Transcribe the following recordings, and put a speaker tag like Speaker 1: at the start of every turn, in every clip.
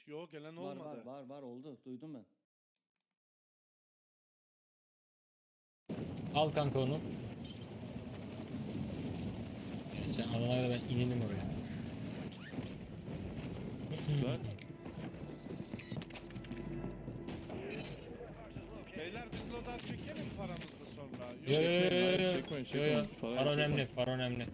Speaker 1: Yo gelen
Speaker 2: Var
Speaker 1: olmadı.
Speaker 2: var oldu. Duydum ben.
Speaker 3: Al kanka onu. Sen alana kadar ben inelim oraya.
Speaker 4: Güzel.
Speaker 1: Beyler biz loadout çekelim paramızı sonra. Yok.
Speaker 3: Yo yo yo yo yo.
Speaker 4: Çekmeyin,
Speaker 3: Yo yo.
Speaker 4: çekmeyin.
Speaker 3: Para önemli, para önemli.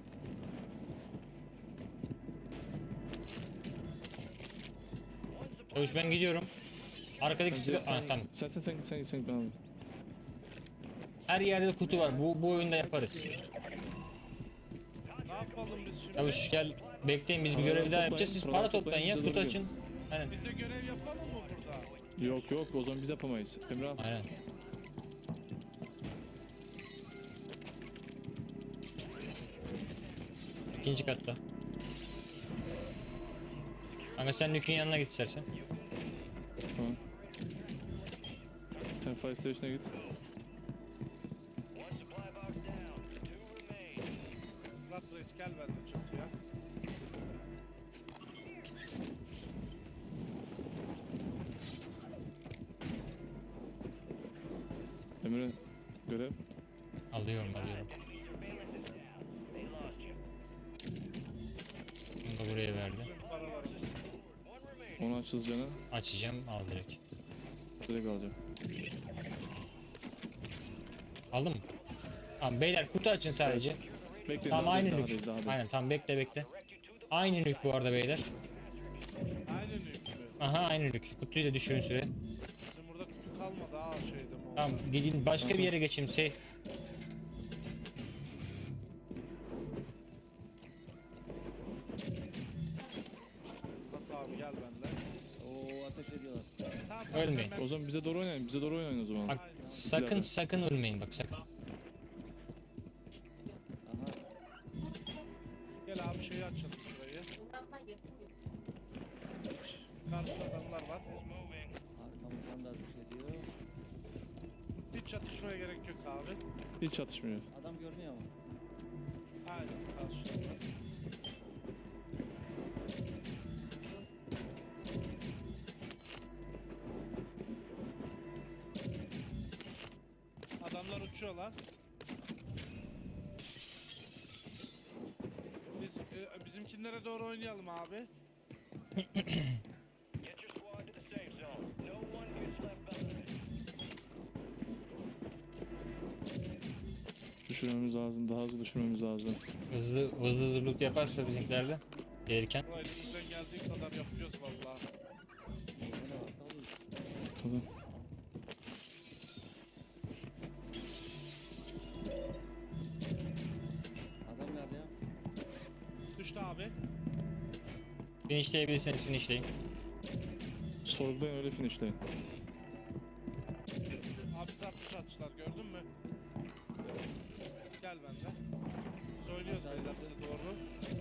Speaker 3: Çavuş ben gidiyorum. Arkadaki silah... Ah tamam.
Speaker 4: Sen ben alayım.
Speaker 3: Her yerde kutu var. Bu oyunda yaparız.
Speaker 1: Ne yapalım biz şimdi?
Speaker 3: Çavuş gel. Bekleyin biz bir
Speaker 4: Paraları
Speaker 3: görev daha
Speaker 4: toplayın,
Speaker 3: yapacağız. Siz
Speaker 4: paraları
Speaker 3: para toplayın ya.
Speaker 4: toplayın,
Speaker 3: Kutu
Speaker 4: bize
Speaker 3: açın. Aynen.
Speaker 1: Biz de görev yapalım mı burada?
Speaker 4: Yok o zaman biz yapamayız. Emre al.
Speaker 3: Aynen. İkinci katta. Kanka sen Nük'ün yanına git istersen.
Speaker 4: Tamam. Sen fire station'a git.
Speaker 1: Murat Reis gel ben de çatıya.
Speaker 4: Emre görev.
Speaker 3: Alıyorum. Bunu da buraya verdi.
Speaker 1: Tüm paralarımız.
Speaker 4: Onu aç hızlıca.
Speaker 3: Açacağım. Al direkt.
Speaker 4: Direkt alacağım.
Speaker 3: Aldın mı? Tamam beyler kutu açın sadece.
Speaker 4: Bekle.
Speaker 3: Tamam
Speaker 4: daha
Speaker 3: aynı
Speaker 4: değil, daha
Speaker 3: nük.
Speaker 4: değil, daha değil.
Speaker 3: Aynen tamam bekle. Aynı nük bu arada beyler.
Speaker 1: Aynen yüklü.
Speaker 3: Aha aynı nük. Kutuyu da düşürün süre.
Speaker 1: Bizim burada kutu kalmadı ha şeyde mi?
Speaker 3: Tamam gidin başka bir yere geçeyim.
Speaker 1: Murat abi gel benimle.
Speaker 2: Oo ateş ediyorlar.
Speaker 1: Tamam,
Speaker 3: Ölmeyin.
Speaker 4: O zaman bize doğru oynayın. Bize doğru oynayın o zaman.
Speaker 3: Bak sakın ölmeyin bak sakın.
Speaker 2: Aha.
Speaker 1: Gel abi şeyi açalım şurayı. Karşıda adamlar var.
Speaker 2: Arkamızdan da ateş ediyor.
Speaker 1: Hiç çatışmaya gerek yok abi.
Speaker 4: Hiç çatışmıyor.
Speaker 2: Adam görünüyor ama.
Speaker 1: Aynen karşıda. Adamlar uçuyorlar. Biz bizimkinlere doğru oynayalım abi.
Speaker 4: Düşürmemiz lazım. Daha hızlı düşürmemiz lazım.
Speaker 3: Hızlı loot yaparsa bizimkilerle gelirken.
Speaker 1: Burayı elimizden geldiği kadar yapacağız vallahi.
Speaker 2: Ne varsa alıyoruz.
Speaker 4: Tamam.
Speaker 2: Adam nerede ya?
Speaker 1: Düştü abi.
Speaker 3: Finishleyebilirseniz finishleyin.
Speaker 4: Sorgulayın öyle finishleyin.
Speaker 1: Abi bizi atmış atmışlar gördün mü? Gel benden. Biz oynuyoruz beyler size doğru.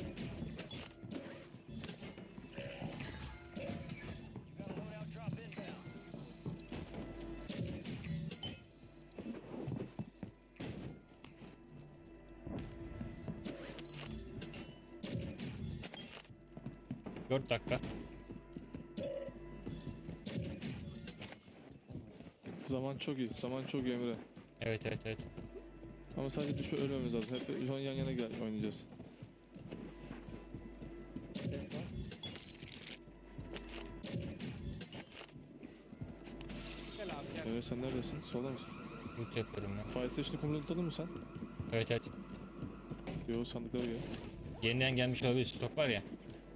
Speaker 3: Dört dakika.
Speaker 4: Zaman çok iyi. Zaman çok iyi Emre.
Speaker 3: Evet.
Speaker 4: Ama sadece düşme ölmemiz lazım. Hep şu an yan yana oynayacağız.
Speaker 2: Ses var.
Speaker 1: Gel abi gel.
Speaker 4: Evet sen neredesin? Solda mısın?
Speaker 3: Loot yapıyorum ben.
Speaker 4: Fire station'ı kumruladın mı sen?
Speaker 3: Evet.
Speaker 4: Yo sandıklara gel.
Speaker 3: Yeniden gelmiş olabilir stok var ya.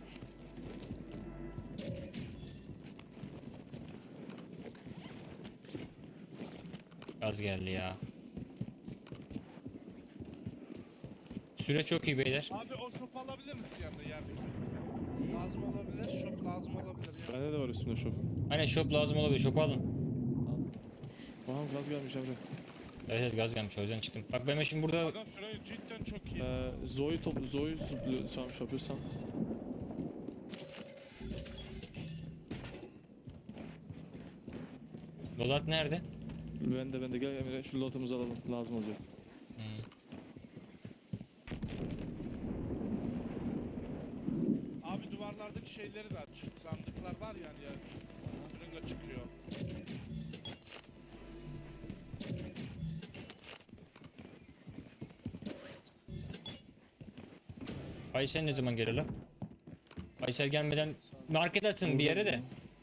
Speaker 3: Gaz geldi ya. Süre çok iyi beyler.
Speaker 1: Abi o şopu alabilir misin yanında yerdeki? Lazım olabilir, şop lazım olabilir ya.
Speaker 4: Bende de var üstümde şop.
Speaker 3: Aynen shop lazım olabilir. Shop alın.
Speaker 4: Aha gaz gelmiş Emre.
Speaker 3: Evet gaz gelmiş o yüzden çıktım. Bak ben şimdi burada
Speaker 1: Adam süre cidden çok iyi.
Speaker 4: Zoe'yi çalmış yapıyorsan.
Speaker 3: Dolat nerede?
Speaker 4: Ben de gel Emre şu lotumuzu alalım. Lazım olacak.
Speaker 1: Abi duvarlardaki şeyleri de aç. Sandıklar var var yani ya. Fırınga çıkıyor.
Speaker 3: Faysal ne zaman gelir lan? Faysal gelmeden market atın bir yere de.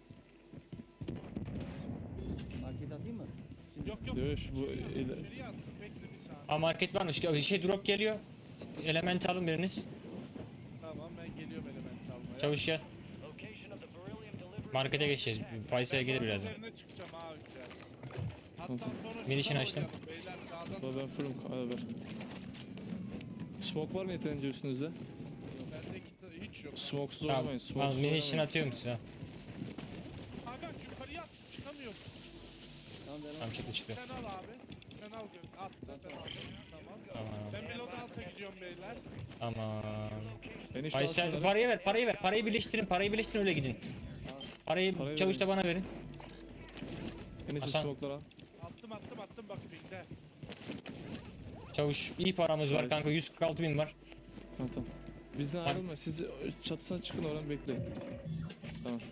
Speaker 2: Market atayım mı? Şimdi
Speaker 1: Yok yok.
Speaker 4: Dövüş bu
Speaker 1: İçeriye attım. Bekle bir saniye.
Speaker 3: Aa market varmış. Şey drop geliyor. Element alın biriniz.
Speaker 1: Tamam ben geliyorum element almaya.
Speaker 3: Çavuş gel. Markete geçeceğiz. Faysal'e gelir birazdan.
Speaker 1: Üzerine çıkacağım abi. Hatta sonra
Speaker 3: Minişini
Speaker 1: şuradan
Speaker 3: açtım.
Speaker 1: oynayalım Beyler sağdan.
Speaker 4: ben fırım ver. Smoke var mı yeterince üstünüzde?
Speaker 1: Bende hiç yok.
Speaker 4: Smoke'suz
Speaker 3: Tamam.
Speaker 4: oynamayın.
Speaker 3: Al
Speaker 4: Smoke'suz
Speaker 3: minişini
Speaker 4: oynamayın.
Speaker 3: atıyorum size.
Speaker 1: Kanka yukarıya at. Çıkamıyorum.
Speaker 2: tamam ben
Speaker 3: Tamam çıktı çıktı.
Speaker 1: Sen al abi. Sen al gör. Attı. Ben aldım. Tamam.
Speaker 3: Tamam.
Speaker 1: Ben bir load alta gidiyorum beyler.
Speaker 3: Tamam.
Speaker 4: Enişte
Speaker 3: Faysal
Speaker 4: alsana.
Speaker 3: parayı ver, parayı ver. Parayı birleştirin, parayı birleştirin öyle gidin. Parayı
Speaker 4: Parayı
Speaker 3: çavuş da
Speaker 4: verin.
Speaker 3: bana verin.
Speaker 4: Enişte
Speaker 3: Hasan.
Speaker 4: smoke'ları al.
Speaker 1: Attım bak pingde.
Speaker 3: Çavuş iyi paramız var
Speaker 4: Evet.
Speaker 3: kanka 146 bin var.
Speaker 4: Tamam. Bizden ayrılma. Siz çatısına çıkın oradan bekleyin. Tamam.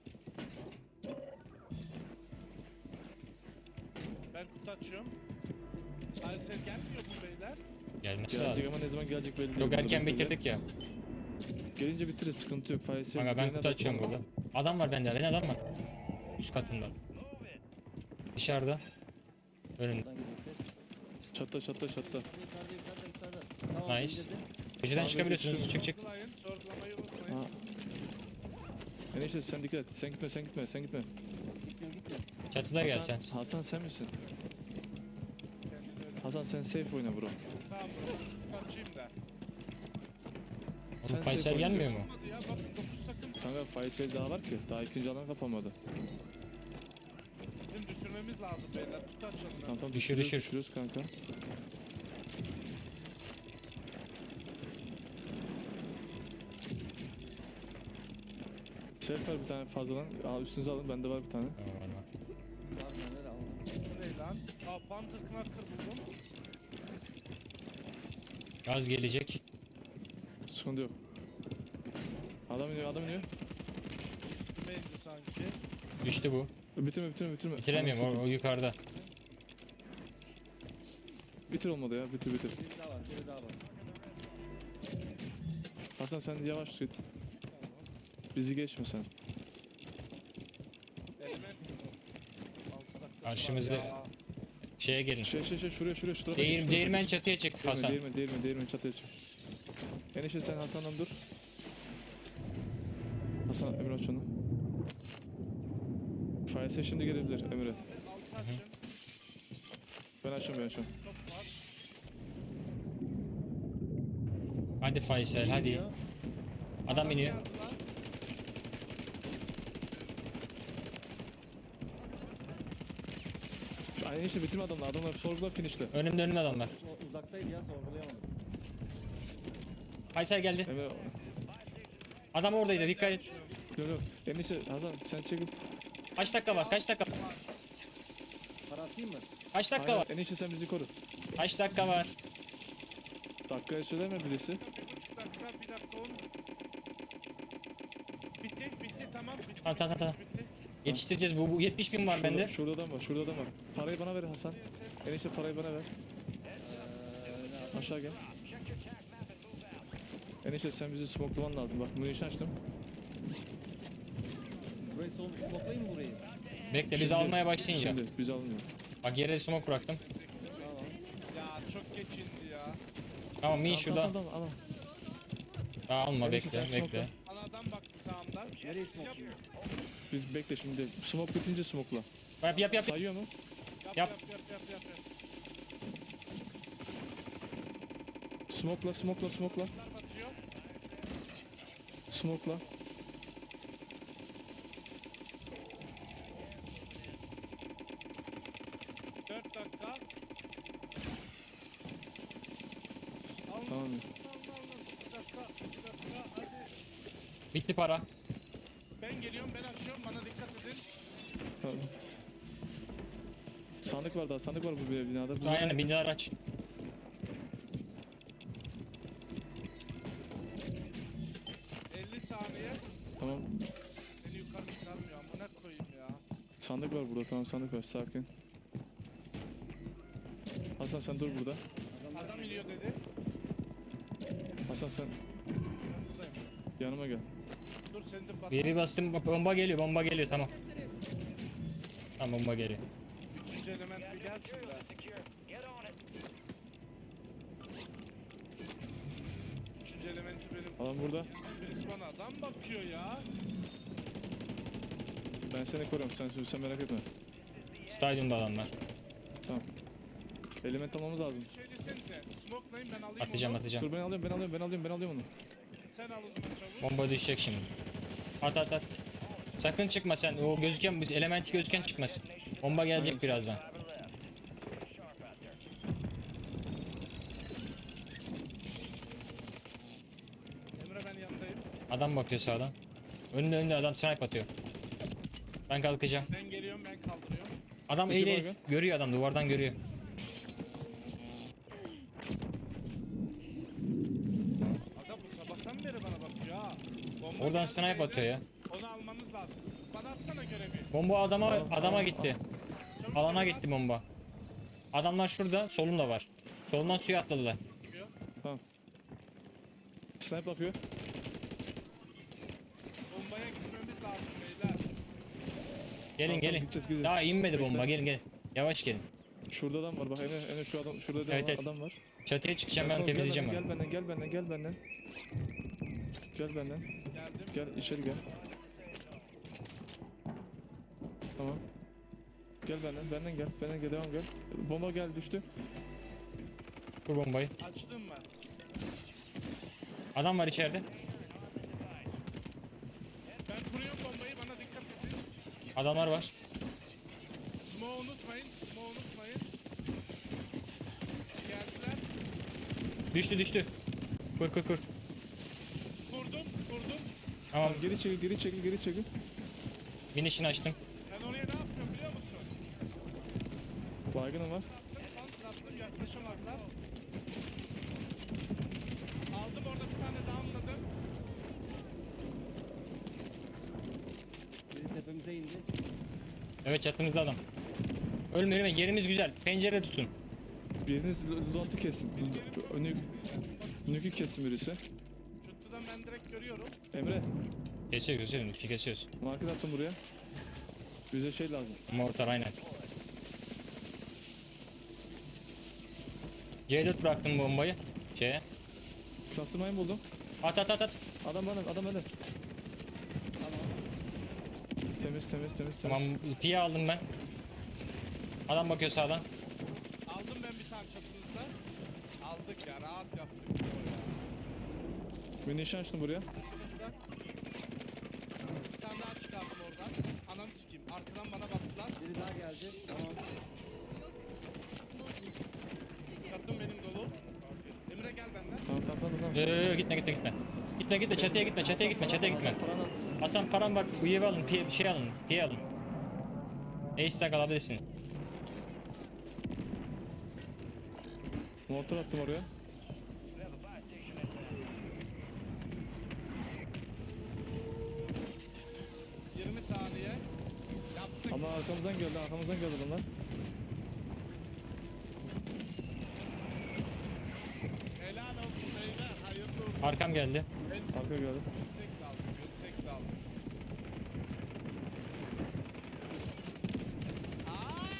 Speaker 1: Ben kutu açıyorum. Salise gelmiyor bu beyler.
Speaker 3: Gelmesi lazım.
Speaker 4: Gelecek ama ne zaman gelecek belli değil.
Speaker 3: Çok
Speaker 4: Burada
Speaker 3: erken
Speaker 4: bekleyin.
Speaker 3: bitirdik ya.
Speaker 4: Gelince bitiririz, sıkıntı yok. Faysal.
Speaker 3: Kanka ben
Speaker 4: birine
Speaker 3: kutu
Speaker 4: de
Speaker 3: açıyorum
Speaker 4: sonra-
Speaker 3: burada. Adam var bende, ben adam var. Üst katında. Dışarıda. Önümde.
Speaker 2: buradan gideceğiz.
Speaker 4: Çatta.
Speaker 2: Yukarıda. Tamam
Speaker 3: Nice.
Speaker 2: indirdim.
Speaker 3: Köşeden
Speaker 4: Abi,
Speaker 3: çıkabiliyorsunuz. Çık çık.
Speaker 1: Sorgulayın. Sorgulamayı unutmayın.
Speaker 4: Ha. Enişte sen dikkat et. Sen gitme.
Speaker 2: Gitmiyorum.
Speaker 3: Çatıda gel sen.
Speaker 4: Hasan sen misin?
Speaker 1: Kendini öyle.
Speaker 4: Hasan sen safe oyna bro.
Speaker 1: Tamam bro. Kaçayım da.
Speaker 3: Oğlum
Speaker 4: Sen
Speaker 3: Faysal
Speaker 4: safe
Speaker 3: gelmiyor mu?
Speaker 1: Olmadı ya bak 9 takım.
Speaker 4: Kanka Faysal daha var ki. Daha ikinci alan kapanmadı.
Speaker 1: Bizim düşürmemiz lazım beyler. Kutu açalım.
Speaker 4: Tamam
Speaker 3: Düşür,
Speaker 4: düşürüyoruz,
Speaker 3: düşür.
Speaker 4: düşürüyoruz kanka. Self var bir tane fazladan. Al üstünüze alın. Bende var bir tane.
Speaker 3: Tamam, var, var.
Speaker 2: Var neler aldım.
Speaker 1: Ne lan? Aa Panzer Knacker buldum.
Speaker 3: Gaz gelecek.
Speaker 4: Sıkıntı yok. Adam iniyor.
Speaker 1: Üstüme indi sanki.
Speaker 3: Düştü bu.
Speaker 4: Bitirme.
Speaker 3: Bitiremiyorum
Speaker 4: Anasını
Speaker 3: o yukarıda.
Speaker 4: bitir olmadı ya. Bitir.
Speaker 2: Biri daha var.
Speaker 4: Hasan sen yavaş git. Bizi geçme sen.
Speaker 1: Element. 6 dakikası
Speaker 3: Karşımızda-
Speaker 1: var ya.
Speaker 3: Şeye gelin.
Speaker 4: Şuraya şu tarafa geç,
Speaker 3: Değirmen çatıya çık Hasan.
Speaker 4: Değirmen çatıya çık. Enişte sen Hasan'dan dur. Hasan Emre aç onu. Faysal şimdi gelebilir Emre.
Speaker 1: Altı açın.
Speaker 4: Ben açıyorum.
Speaker 1: Top var.
Speaker 3: Hadi Faysal hadi. Adam iniyor.
Speaker 1: Geldi lan.
Speaker 4: Ay enişte bitirme adamlar sorgular finişle.
Speaker 3: Önümde adamlar.
Speaker 2: O uzaktaydı ya sorgulayamadım.
Speaker 3: Faysal geldi.
Speaker 4: Emre
Speaker 3: Adam oradaydı dikkat et.
Speaker 4: yok. Enişte Hasan sen çekil.
Speaker 3: Kaç dakika var? Kaç dakika?
Speaker 2: Para atayım mı?
Speaker 3: Kaç dakika
Speaker 4: Aynen,
Speaker 3: var?
Speaker 4: enişte sen bizi koru.
Speaker 3: Kaç dakika var?
Speaker 4: Dakikaya söyleme birisi.
Speaker 1: 1,5 dakika, 1 dakika 10. Bitti tamam bitti.
Speaker 3: Tamam.
Speaker 1: Bitti.
Speaker 3: Yetiştireceğiz. Bu 70 bin var bende.
Speaker 4: Şurada adam var. Parayı bana ver Hasan. Enişte parayı bana ver. Aşağı gel. Enişte sen bizi smokelaman lazım. Bak munition açtım.
Speaker 2: Burayı smoklayayım mı burayı?
Speaker 3: Bekle biz
Speaker 4: Şimdi-
Speaker 3: almaya başlayınca.
Speaker 4: Şimdi biz almıyor.
Speaker 3: Bak yere smoke bıraktım.
Speaker 2: Tamam.
Speaker 1: Ya çok geç indi ya.
Speaker 3: Tamam min şurada.
Speaker 4: Tamam.
Speaker 3: Daha alma
Speaker 4: Enişte sen
Speaker 3: bekle.
Speaker 1: Bana adam baktı sağımdan.
Speaker 2: Nereye smoklayayım?
Speaker 4: Biz bekle şimdi. Smoke bitince smokela.
Speaker 3: Yap.
Speaker 4: Sayıyor mu?
Speaker 1: Yap.
Speaker 4: Smokela.
Speaker 1: Bunlar batıyor.
Speaker 4: Smokela.
Speaker 1: 4 dakika. Al.
Speaker 4: Tamam.
Speaker 1: Al. 2 dakika. 2 dakika. Hadi.
Speaker 3: Bitti para.
Speaker 1: Ben geliyorum ben açıyorum bana dikkat edin.
Speaker 4: Tamam. Sandık var bu binada. Bu
Speaker 3: Aynen binler aç.
Speaker 1: Saniye.
Speaker 4: Tamam.
Speaker 1: Beni yukarı çıkar.
Speaker 4: Sandık var burada, tamam sandık var, sakin. Hasan sen dur burada.
Speaker 1: Adam iniyor dedi.
Speaker 4: Hasan sen
Speaker 1: Yanınızdayım.
Speaker 4: yanıma gel.
Speaker 1: Dur seni de pat.
Speaker 3: Bir bastım, bomba geliyor, bomba geliyor, tamam. Tamam, bomba geliyor.
Speaker 1: Üçüncü element bir gelsin de. Üçüncü elementi benim.
Speaker 4: Adam burada.
Speaker 1: Birisi bana adam bakıyor ya.
Speaker 4: Ben seni koruyorum, sen merak etme.
Speaker 3: Stadyumda adamlar.
Speaker 4: Tamam. Element almamız lazım.
Speaker 1: Şey desenize. Smoke'layın ben alayım
Speaker 3: Atacağım,
Speaker 1: onu.
Speaker 3: atacağım.
Speaker 4: Dur ben alıyorum onu.
Speaker 1: Sen al o zaman çabuk.
Speaker 3: Bomba düşecek şimdi. At. Sakın çıkma sen. O gözüken, elementi gözüken çıkmasın. Bomba gelecek birazdan.
Speaker 1: Emre ben yanındayım.
Speaker 3: Adam bakıyor sağdan. Önünde adam snipe atıyor. Ben kalkacağım.
Speaker 1: Ben geliyorum ben kaldırıyorum.
Speaker 3: Adam
Speaker 4: İki
Speaker 3: eğil
Speaker 4: baygın.
Speaker 3: görüyor, adam duvardan görüyor.
Speaker 1: Aga bu sabahtan beri bana bakıyor ha. Bomba
Speaker 3: Oradan
Speaker 1: geldi
Speaker 3: snipe
Speaker 1: beyler.
Speaker 3: atıyor ya.
Speaker 1: Onu almanız lazım. Bana atsana görevi.
Speaker 3: Bomba adama gitti.
Speaker 1: Çabuk
Speaker 3: Alana
Speaker 1: şöyle
Speaker 3: gitti bomba. Adamlar şurada, solunda var. Solundan suya atladılar.
Speaker 1: atıyor.
Speaker 4: Snipe yapıyor.
Speaker 1: Bombaya gitmemiz lazım beyler.
Speaker 3: Gelin gelin.
Speaker 4: Gideceğiz.
Speaker 3: Daha inmedi bomba, gelin. Yavaş gelin.
Speaker 4: Şurada adam var bak, Emre şu adam, şurada
Speaker 3: Evet.
Speaker 4: adam var.
Speaker 3: Çatıya çıkacağım, ben
Speaker 4: Gel
Speaker 3: temizleyeceğim
Speaker 4: benden,
Speaker 3: onu.
Speaker 4: Gel benden.
Speaker 1: Geldim.
Speaker 4: Gel içeri gel. Tamam. Gel benden gel, devam gel. Bomba gel düştü.
Speaker 3: Bu bombayı.
Speaker 1: Açtım ben.
Speaker 3: Adam var içeride.
Speaker 1: Ben kuruyorum bombayı bana dikkat edin.
Speaker 3: Adamlar var.
Speaker 1: Smoke unutmayın. Geldiler.
Speaker 3: Düştü. Kur.
Speaker 1: Vurdum.
Speaker 3: Tamam,
Speaker 4: Geri çekil.
Speaker 3: finish'ini açtım.
Speaker 1: Ben oraya ne yapıyorum biliyor musun?
Speaker 4: Baygınım var.
Speaker 1: Attım yaklaşamazlar. Aldım orada bir tane downladım.
Speaker 2: Biri tepemize indi.
Speaker 3: Evet, çatımızda adam. Ölme, yerimiz güzel. Pencere tutun.
Speaker 4: Biriniz lontı kessin. Nükü kessin birisi.
Speaker 1: Çatıdan ben direkt görüyorum.
Speaker 4: Emre,
Speaker 3: Kesiyoruz.
Speaker 4: market attım buraya. Bize şey lazım.
Speaker 3: Mortar aynen. C4 bıraktım bombayı.
Speaker 4: Cluster mine buldum.
Speaker 3: At.
Speaker 4: Adam bende. Temiz.
Speaker 3: Tamam, piye aldım ben. Adam bakıyor sağdan.
Speaker 1: Aldım ben bir tane çatınızda. Aldık ya rahat yaptık.
Speaker 4: Bir nişan açtım buraya.
Speaker 1: Şurada. Bir tane daha çıkardım oradan. Ananı sikeyim. Arkadan bana bastılar.
Speaker 2: Biri daha geldi. Tamam.
Speaker 1: Çatım benim dolu. Emre gel benden.
Speaker 4: Tamam.
Speaker 3: Gitme. Çatıya gitme.
Speaker 4: Paranı al.
Speaker 3: Hasan, param var. Üyevi alın. Piye alın. Ace stack alabilirsiniz.
Speaker 4: Motor attım oraya.
Speaker 1: Cık, 20 saniye. Yaptık.
Speaker 4: Ama arkamızdan geldi bunlar.
Speaker 1: Helal olsun beyler. Hayırlı olsun.
Speaker 3: Arkam geldi.
Speaker 4: Arka geldi.
Speaker 1: Yüksek daldı. Aa!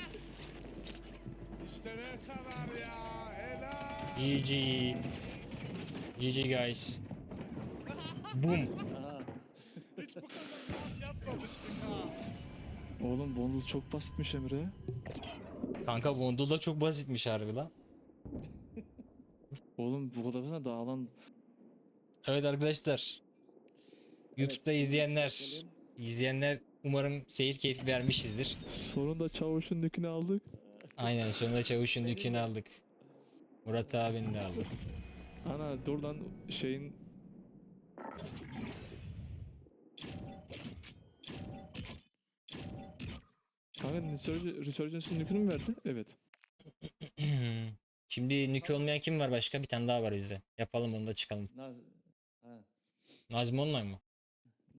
Speaker 1: İşte ne kadar ya. Helal.
Speaker 3: GG guys. Boom.
Speaker 2: Aha.
Speaker 1: Hiç bu kadar rahat yapmamıştık ha.
Speaker 4: Oğlum bundle çok basitmiş Emre.
Speaker 3: Kanka bundle da çok basitmiş harbi lan.
Speaker 4: Oğlum bu kadar sana dağılan.
Speaker 3: Evet arkadaşlar. YouTube'da izleyenler umarım seyir keyfi vermişizdir.
Speaker 4: Sonunda çavuşun nükünü aldık.
Speaker 3: Aynen, sonunda Çavuş'un dükünü aldık. Murat abinin de aldık.
Speaker 4: Ana buradan şeyin. Kanka Resurgence'ın nükünü mü verdi? Evet.
Speaker 3: Şimdi nükü olmayan kim var başka? Bir tane daha var bizde. Yapalım onu da çıkalım.
Speaker 2: Naz. Ha.
Speaker 3: Nazmi Online mı?